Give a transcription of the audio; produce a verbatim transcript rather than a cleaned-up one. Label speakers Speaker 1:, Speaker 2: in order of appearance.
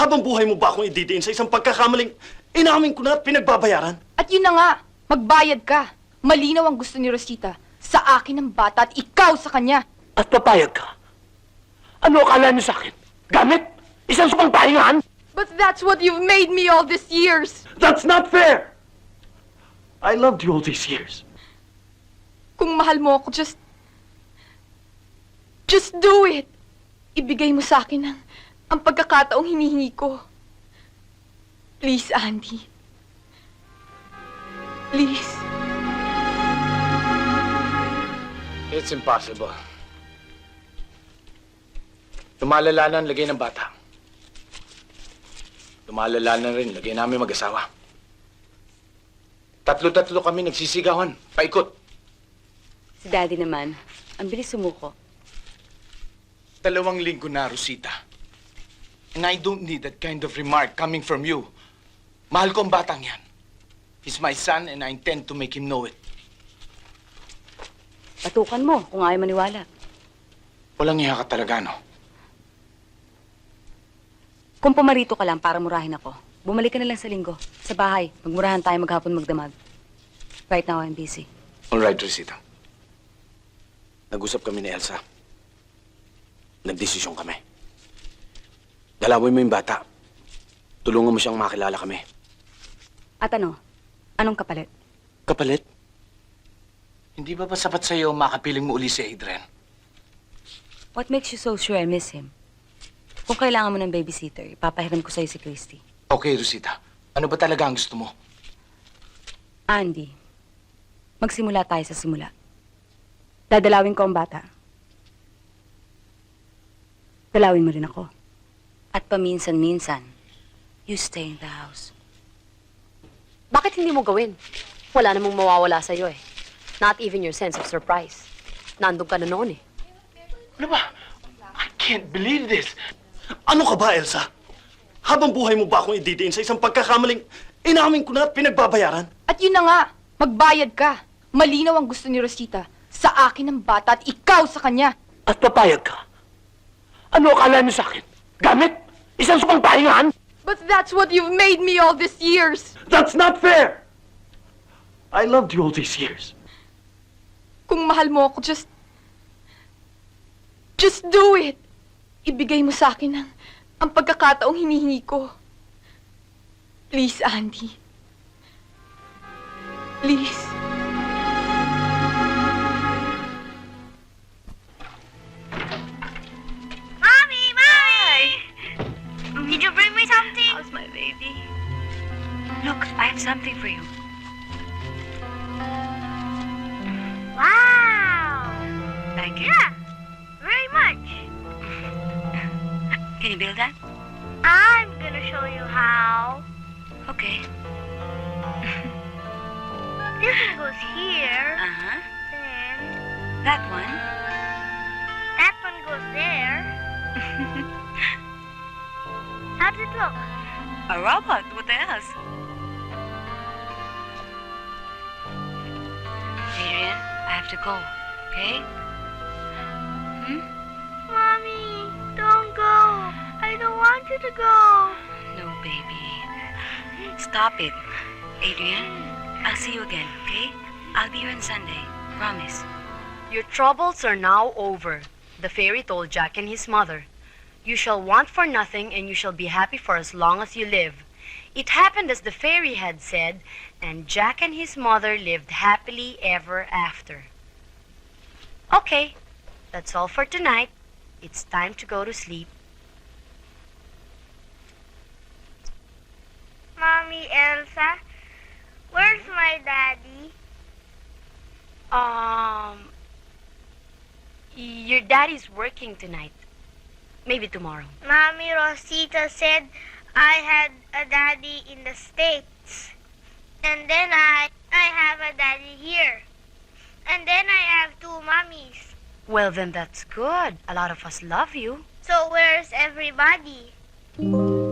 Speaker 1: Habang buhay mo ba akong ididiin sa isang pagkakamaling inamin ko na at pinagbabayaran?
Speaker 2: At yun na nga, magbayad ka. Malinaw ang gusto ni Rosita. Sa akin ang bata at ikaw sa kanya.
Speaker 3: At papayag ka? Ano akala niyo sa akin? Gamit? Isang supang pahingahan?
Speaker 2: But that's what you've made me all these years.
Speaker 3: That's not fair! I loved you all these years.
Speaker 2: Kung mahal mo ako, just... Just do it. Ibigay mo sa akin ang, ang pagkakataong hinihingi ko. Please, Andy. Please.
Speaker 4: It's impossible. Lumalala na ang lagay ng bata. Lumalala na rin lagay namin mag-asawa. Tatlo-tatlo kami nagsisigawan, paikot.
Speaker 5: Si Daddy naman, ang bilis sumuko.
Speaker 4: Dalawang linggo na, Rosita. And I don't need that kind of remark coming from you. Mahal ko ang batang yan. He's my son and I intend to make him know it.
Speaker 5: Patukan mo kung ayaw maniwala.
Speaker 4: Walang iya ka talaga, no?
Speaker 5: Kung pumarito ka lang para murahin ako, bumalik ka na lang sa linggo. Sa bahay, magmurahan tayo maghapon magdamag. Right now, I'm busy.
Speaker 4: All right, Rosita. Nag-usap kami ni Elsa. Nagdesisyon kami. Dalawin mo yung bata. Tulungan mo siyang makilala kami.
Speaker 5: At ano? Anong kapalit?
Speaker 4: Kapalit? Hindi ba ba sapat sa'yo makapiling mo uli si Adrian?
Speaker 5: What makes you so sure I miss him? Kung kailangan mo ng babysitter, ipapahiram ko sa'yo si Christy.
Speaker 4: Okay, Rosita. Ano ba talaga ang gusto mo?
Speaker 5: Andy, magsimula tayo sa simula. Dadalawin ko ang bata. Dalawin mo rin ako. At paminsan-minsan, you stay in the house.
Speaker 6: Bakit hindi mo gawin? Wala namang mawawala sa'yo eh. Not even your sense of surprise. Nandun ka na noon eh.
Speaker 3: Ano ba? I can't believe this.
Speaker 1: Ano ka ba, Elsa? Habang buhay mo ba akong ididiin sa isang pagkakamaling inamin ko na at pinagbabayaran?
Speaker 2: At yun na nga, magbayad ka. Malinaw ang gusto ni Rosita. Sa akin ang bata at ikaw sa kanya.
Speaker 3: At papayag ka? Ano akala niyo sa akin? Gamit? Isang supang pahingahan?
Speaker 2: But that's what you've made me all these years.
Speaker 3: That's not fair! I loved you all these years.
Speaker 2: Kung mahal mo ako, just... Just do it. Ibigay mo sa akin ang, ang pagkakataong hinihingi ko. Please, Andy. Please.
Speaker 7: Mommy! Mommy! Did you bring me something?
Speaker 2: How's my baby?
Speaker 5: Look, I have something for you.
Speaker 7: Wow!
Speaker 5: Like it?
Speaker 7: Yeah, very much.
Speaker 5: Can you build that?
Speaker 7: I'm gonna show you how.
Speaker 5: Okay.
Speaker 7: This one goes here,
Speaker 5: Uh-huh.
Speaker 7: then
Speaker 5: That one.
Speaker 7: that one goes there. How does it look?
Speaker 5: A robot. What else? Adrian, I have to go. Okay? Hmm?
Speaker 7: Mommy, don't go. I don't want you to go.
Speaker 5: No, baby. Stop it. Adrian, I'll see you again, okay? I'll be here on Sunday. Promise.
Speaker 6: Your troubles are now over. The fairy told Jack and his mother. You shall want for nothing and you shall be happy for as long as you live. It happened as the fairy had said, and Jack and his mother lived happily ever after. Okay, that's all for tonight. It's time to go to sleep.
Speaker 7: Mommy, Elsa, where's my daddy?
Speaker 6: Um, your daddy's working tonight. Maybe tomorrow.
Speaker 7: Mommy Rosita said I had a daddy in the States. And then I I have a daddy here. And then I have two mommies.
Speaker 6: Well, then that's good. A lot of us love you.
Speaker 7: So where's everybody?